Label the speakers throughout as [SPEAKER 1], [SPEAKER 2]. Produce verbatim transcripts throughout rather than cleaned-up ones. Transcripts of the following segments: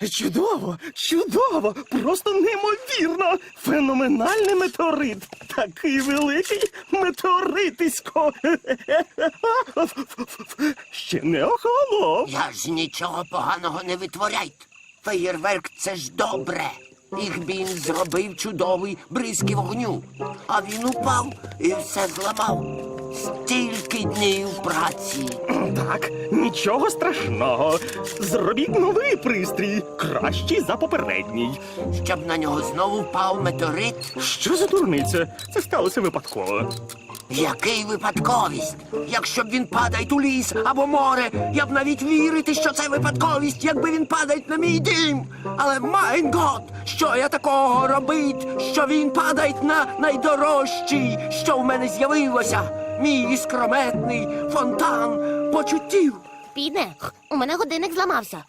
[SPEAKER 1] Чудово, чудово, просто неймовірно. Феноменальний метеорит. Такий великий метеоритисько. Ще не охолонув.
[SPEAKER 2] Я ж нічого поганого не витворяйте. Феєрверк – це ж добре. Ігбін зробив чудовий бризки вогню. А він упав і все зламав. Стільки днів праці.
[SPEAKER 1] Так, нічого страшного. Зробіть новий пристрій, кращий за попередній.
[SPEAKER 2] Щоб на нього знову впав метеорит?
[SPEAKER 1] Що за дурниця? Це сталося випадково.
[SPEAKER 2] Який випадковість? Якщо б він падає у ліс або море, я б навіть вірити, що це випадковість, якби він падає на мій дім. Але, майн гот, що я такого робить, що він падає на найдорожчий, що в мене з'явилося? Мій іскрометний фонтан почуттів.
[SPEAKER 3] Піде, у мене годинник зламався.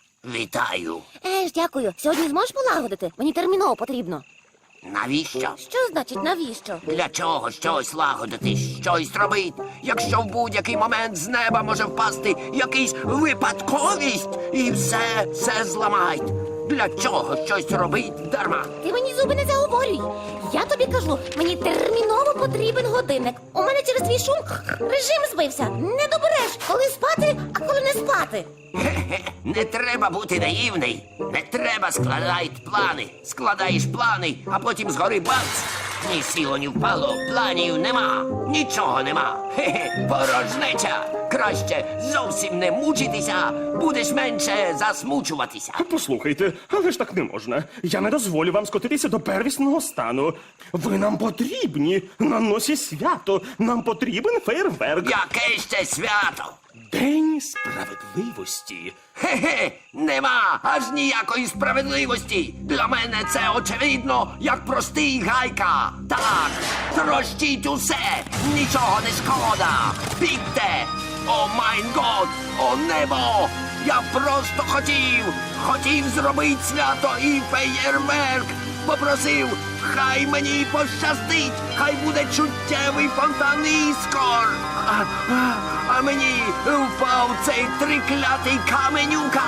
[SPEAKER 2] Вітаю.
[SPEAKER 3] Еж, дякую. Сьогодні зможеш полагодити? Мені терміново потрібно.
[SPEAKER 2] Навіщо?
[SPEAKER 3] Що значить навіщо?
[SPEAKER 2] Для чого щось лагодити, щось робити, якщо в будь-який момент з неба може впасти якийсь випадковість і все, все зламають? Для чого щось робить дарма?
[SPEAKER 3] Ти мені зуби не заговорюй. Я тобі кажу, мені терміново потрібен годинник. У мене через твій шум режим збився. Не добереш, коли спати, а коли не спати.
[SPEAKER 2] Хе-хе, не треба бути наївний. Не треба складати плани. Складаєш плани, а потім згори бац. Ні сіло, ні впало, планів нема, нічого нема. Хе-хе, порожнеча. Краще зовсім не мучитися, будеш менше засмучуватися.
[SPEAKER 1] Послухайте, але ж так не можна. Я не дозволю вам скотитися до первісного стану. Ви нам потрібні. На носі свято. Нам потрібен фейерверк.
[SPEAKER 2] Яке ще свято?
[SPEAKER 1] День справедливості.
[SPEAKER 2] Хе-хе, нема аж ніякої справедливості. Для мене це очевидно, як простий гайка. Так, трощіть усе, нічого не шкода. Бігте! О майн год, о небо! Я просто хотів, хотів зробити свято і феєрверк. Попросив, хай мені пощастить, хай буде чуттєвий фонтан іскор. А, а, а мені впав цей триклятий каменюка.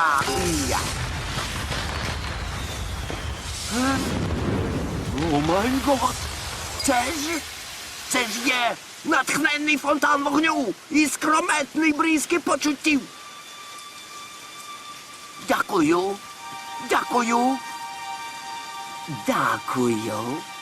[SPEAKER 2] Я. А? О май гот! Це ж, це ж є натхненний фонтан вогню і скрометний бризки почуттів. Дякую, дякую, дякую.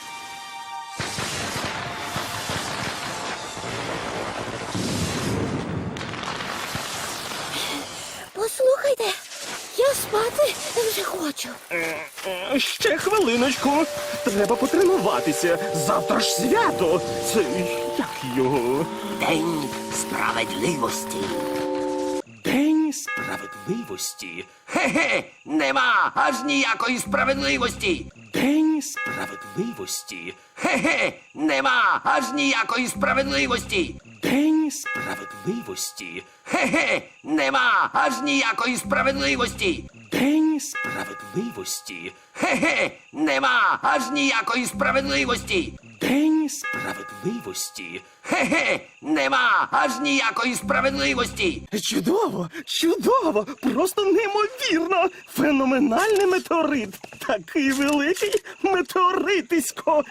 [SPEAKER 3] Послухайте, я спати вже хочу.
[SPEAKER 1] Е, Ще хвилиночку. Треба потренуватися. Завтра ж свято. Це як його?
[SPEAKER 2] День справедливості.
[SPEAKER 1] День справедливості.
[SPEAKER 2] Хе-хе, нема аж ніякої справедливості.
[SPEAKER 1] День справедливості.
[SPEAKER 2] Хе-хе, нема аж ніякої справедливості.
[SPEAKER 1] День справедливості.
[SPEAKER 2] Хе-хе, нема аж ніякої справедливості.
[SPEAKER 1] День справедливості.
[SPEAKER 2] Хе-хе, нема аж ніякої справедливості.
[SPEAKER 1] День справедливості.
[SPEAKER 2] Хе-хе, нема аж ніякої справедливості.
[SPEAKER 1] Чудово, чудово, просто неймовірно. Феноменальний метеорит. Такий великий метеоритисько.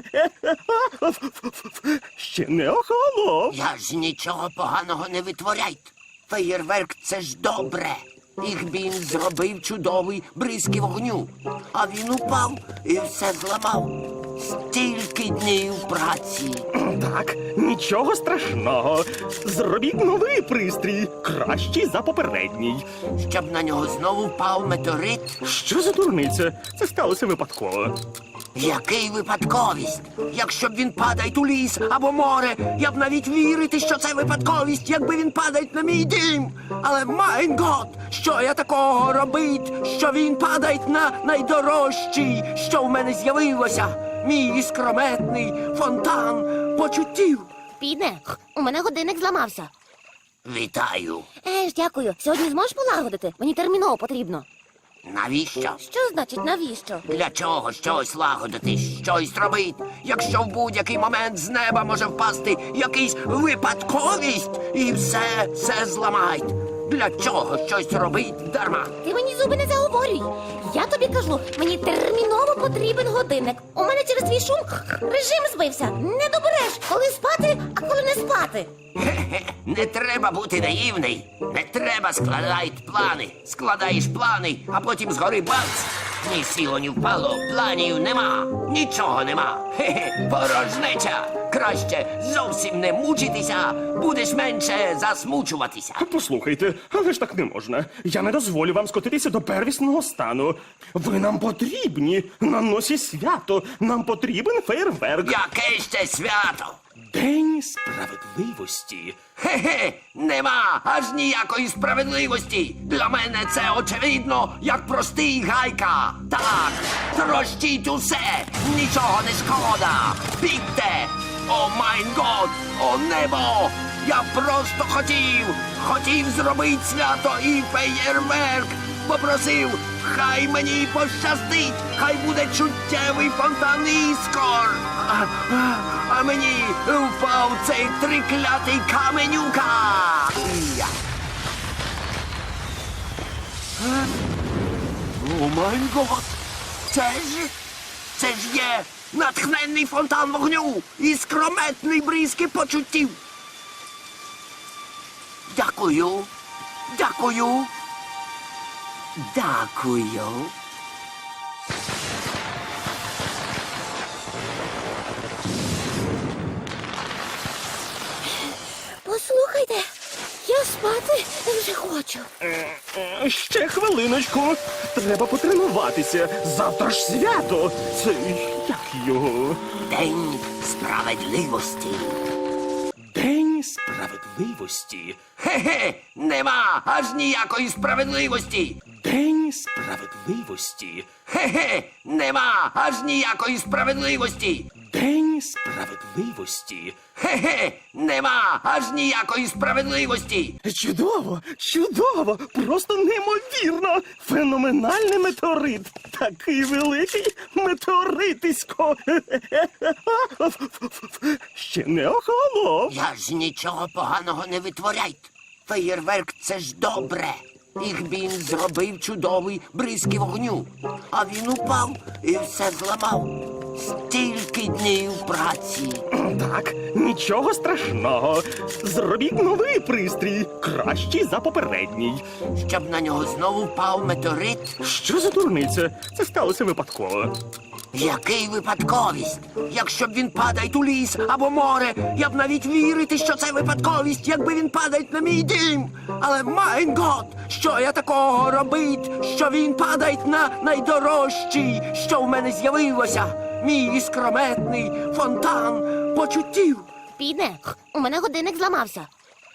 [SPEAKER 1] Ще не охолонув.
[SPEAKER 2] Я ж нічого поганого не витворяйте. Феєрверк – це ж добре. Ігбін зробив чудовий бризки вогню. А він упав і все зламав. Стільки днів праці.
[SPEAKER 1] Так, нічого страшного. Зробіть новий пристрій, кращий за попередній.
[SPEAKER 2] Щоб на нього знову впав метеорит?
[SPEAKER 1] Що за дурниця? Це сталося випадково.
[SPEAKER 2] Який випадковість? Якщо б він падає у ліс або море, я б навіть вірити, що це випадковість, якби він падає на мій дім. Але, майн гот, що я такого робить, що він падає на найдорожчий, що в мене з'явилося? Мій іскрометний фонтан почуттів.
[SPEAKER 3] Піде, у мене годинник зламався.
[SPEAKER 2] Вітаю.
[SPEAKER 3] Еж, дякую. Сьогодні зможеш полагодити? Мені терміново потрібно.
[SPEAKER 2] Навіщо?
[SPEAKER 3] Що значить навіщо?
[SPEAKER 2] Для чого щось лагодити, щось робити, якщо в будь-який момент з неба може впасти якийсь випадковість і все, все зламають? Для чого щось робить дарма?
[SPEAKER 3] Ти мені зуби не заговорюй. Я тобі кажу, мені терміново потрібен годинник. У мене через твій шум режим збився. Не добереш, коли спати, а коли не спати.
[SPEAKER 2] Хе-хе, не треба бути наївний. Не треба складати плани. Складаєш плани, а потім згори бац. Ні сіло, ні впало, планів нема, нічого нема. Хе-хе, порожнеча. Краще зовсім не мучитися, будеш менше засмучуватися.
[SPEAKER 1] Послухайте, але ж так не можна. Я не дозволю вам скотитися до первісного стану. Ви нам потрібні на носі свято. Нам потрібен фейерверк.
[SPEAKER 2] Яке ще свято?
[SPEAKER 1] День справедливості.
[SPEAKER 2] Хе-хе, нема аж ніякої справедливості. Для мене це очевидно, як простий гайка. Так, трощіть усе, нічого не шкода. Бігте! О майн год, о небо! Я просто хотів, хотів зробити свято і феєрверк. Попросив, хай мені пощастить, хай буде чуттєвий фонтан іскор. А, а, а мені впав цей триклятий каменюка. Я. Е? О май гот! Це ж, це ж є натхненний фонтан вогню і скрометний бризки почуттів. Дякую, дякую. Дякую.
[SPEAKER 3] Послухайте, я спати вже хочу.
[SPEAKER 1] Е, Ще хвилиночку. Треба потренуватися. Завтра ж свято. Це як його?
[SPEAKER 2] День справедливості.
[SPEAKER 1] День справедливості.
[SPEAKER 2] Хе-хе, нема аж ніякої справедливості.
[SPEAKER 1] День справедливості.
[SPEAKER 2] Хе-хе, нема аж ніякої справедливості.
[SPEAKER 1] День справедливості.
[SPEAKER 2] Хе-хе, нема аж ніякої справедливості.
[SPEAKER 1] Чудово, чудово, просто неймовірно. Феноменальний метеорит. Такий великий метеоритисько. Ще не охолонув.
[SPEAKER 2] Я ж нічого поганого не витворяйте. Феєрверк це ж добре. Їх він зробив чудовий бризки вогню. А він упав і все зламав. Стільки днів праці.
[SPEAKER 1] Так, нічого страшного. Зробіть новий пристрій, кращий за попередній.
[SPEAKER 2] Щоб на нього знову впав метеорит.
[SPEAKER 1] Що за дурниця? Це сталося випадково.
[SPEAKER 2] Який випадковість? Якщо б він падає у ліс або море, я б навіть вірити, що це випадковість, якби він падає на мій дім. Але майн гот, що я такого робить, що він падає на найдорожчий, що в мене з'явилося. Мій іскрометний фонтан почуттів.
[SPEAKER 3] Піде, у мене годинник зламався.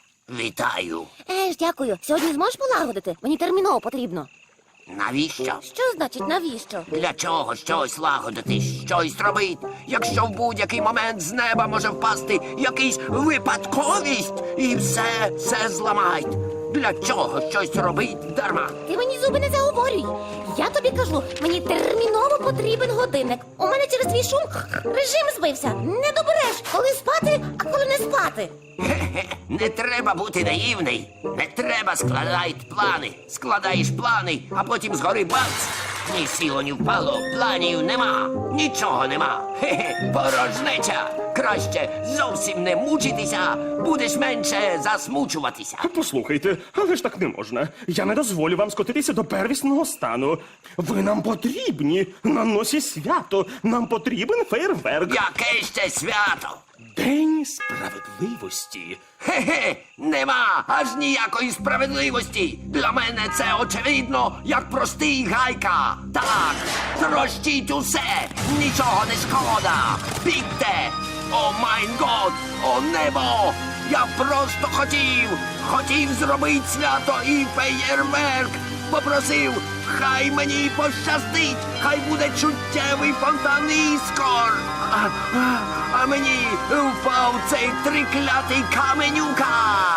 [SPEAKER 2] Вітаю.
[SPEAKER 3] Еж, дякую. Сьогодні зможеш полагодити? Мені терміново потрібно.
[SPEAKER 2] Навіщо?
[SPEAKER 3] Що значить навіщо?
[SPEAKER 2] Для чого щось лагодити, щось робити, якщо в будь-який момент з неба може впасти якийсь випадковість і все, все зламають. Для чого щось робить дарма?
[SPEAKER 3] Ти мені зуби не заговорюй. Я тобі кажу, мені терміново потрібен годинник. У мене через твій шум режим збився. Не добереш, коли спати, а коли не спати.
[SPEAKER 2] Хе-хе, не треба бути наївний. Не треба складати плани. Складаєш плани, а потім згори бац. Ні сіло, ні впало, планів нема, нічого нема. Хе-хе, порожнеча. Краще зовсім не мучитися, будеш менше засмучуватися.
[SPEAKER 1] Послухайте, але ж так не можна. Я не дозволю вам скотитися до первісного стану. Ви нам потрібні на носі свято. Нам потрібен фейерверк.
[SPEAKER 2] Яке ще свято?
[SPEAKER 1] День справедливості.
[SPEAKER 2] Хе-хе, нема аж ніякої справедливості. Для мене це очевидно, як простий гайка. Так, трощіть усе, нічого не шкода. Бігте! О майн год, о небо! Я просто хотів, хотів зробити свято і феєрверк. Попросив, хай мені пощастить, хай буде чуттєвий фонтан іскор. А, а, а мені впав цей триклятий каменюка.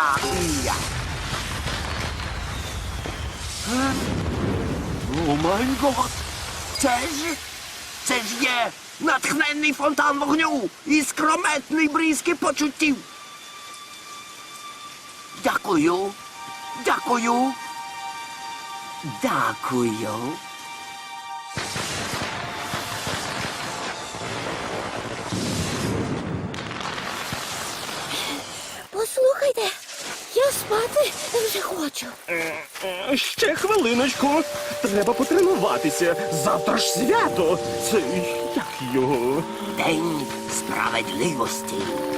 [SPEAKER 2] Я. Е? О май гот! Це ж, це ж є натхненний фонтан вогню і скрометний бризки почуттів. Дякую, Дякую. Дякую.
[SPEAKER 3] Послухайте, я спати вже хочу.
[SPEAKER 1] Е, Ще хвилиночку. Треба потренуватися. Завтра ж свято. Це як його?
[SPEAKER 2] День справедливості.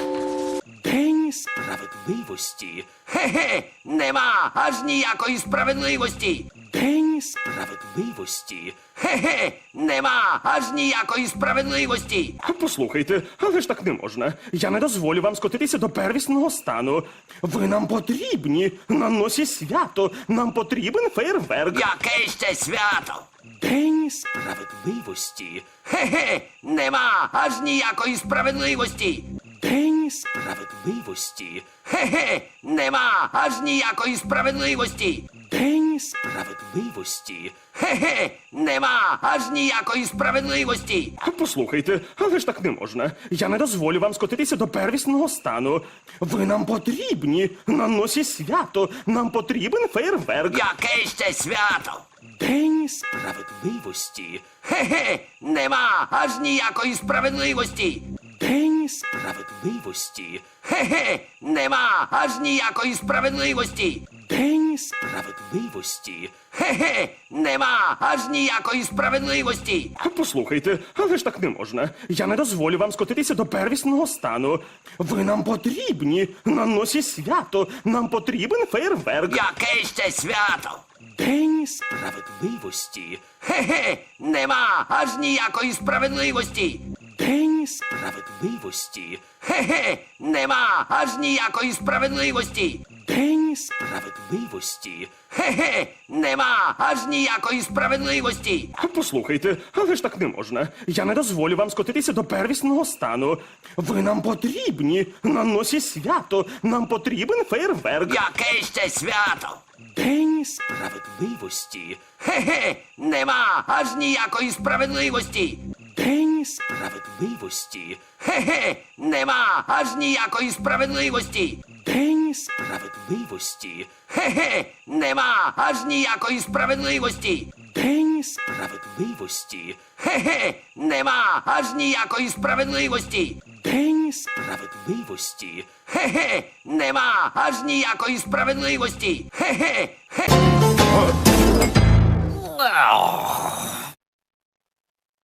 [SPEAKER 1] День справедливості.
[SPEAKER 2] Хе-хе, нема аж ніякої справедливості.
[SPEAKER 1] День справедливості.
[SPEAKER 2] Хе-хе, нема аж ніякої справедливості.
[SPEAKER 1] Послухайте, але ж так не можна. Я не дозволю вам скотитися до первісного стану. Ви нам потрібні. На носі свято. Нам потрібен фейерверк.
[SPEAKER 2] Яке ще свято?
[SPEAKER 1] День справедливості.
[SPEAKER 2] Хе-хе, нема аж ніякої справедливості.
[SPEAKER 1] День справедливості.
[SPEAKER 2] Хе-хе, нема аж ніякої справедливості.
[SPEAKER 1] День справедливості.
[SPEAKER 2] Хе-хе, нема аж ніякої справедливості.
[SPEAKER 1] Послухайте, але ж так не можна. Я не дозволю вам скотитися до первісного стану. Ви нам потрібні. На носі свято. Нам потрібен фейерверк.
[SPEAKER 2] Яке ще свято?
[SPEAKER 1] День справедливості.
[SPEAKER 2] Хе-хе, нема аж ніякої справедливості.
[SPEAKER 1] День справедливості.
[SPEAKER 2] Хе-хе, нема аж ніякої справедливості.
[SPEAKER 1] День справедливості.
[SPEAKER 2] Хе-хе, нема аж ніякої справедливості.
[SPEAKER 1] Послухайте, але ж так не можна. Я не дозволю вам скотитися до первісного стану. Ви нам потрібні. На носі свято. Нам потрібен фейерверк.
[SPEAKER 2] Яке ще свято?
[SPEAKER 1] День справедливості.
[SPEAKER 2] Хе-хе, нема аж ніякої справедливості.
[SPEAKER 1] День справедливості.
[SPEAKER 2] Хе-хе, нема аж ніякої справедливості.
[SPEAKER 1] День справедливості.
[SPEAKER 2] Хе-хе, нема аж ніякої справедливості.
[SPEAKER 1] Послухайте, але ж так не можна. Я не дозволю вам скотитися до первісного стану. Ви нам потрібні. На носі свято. Нам потрібен фейерверк.
[SPEAKER 2] Яке ще свято?
[SPEAKER 1] День справедливості.
[SPEAKER 2] Хе-хе, нема аж ніякої справедливості.
[SPEAKER 1] День справедливості.
[SPEAKER 2] Хе-хе, нема аж ніякої справедливості.
[SPEAKER 1] День справедливості.
[SPEAKER 2] Хе-хе, нема аж ніякої справедливості.
[SPEAKER 1] День справедливості.
[SPEAKER 2] Хе-хе, нема аж ніякої справедливості.
[SPEAKER 1] День справедливості.
[SPEAKER 2] Хе-хе, нема аж ніякої справедливості. Хе-хе, хе.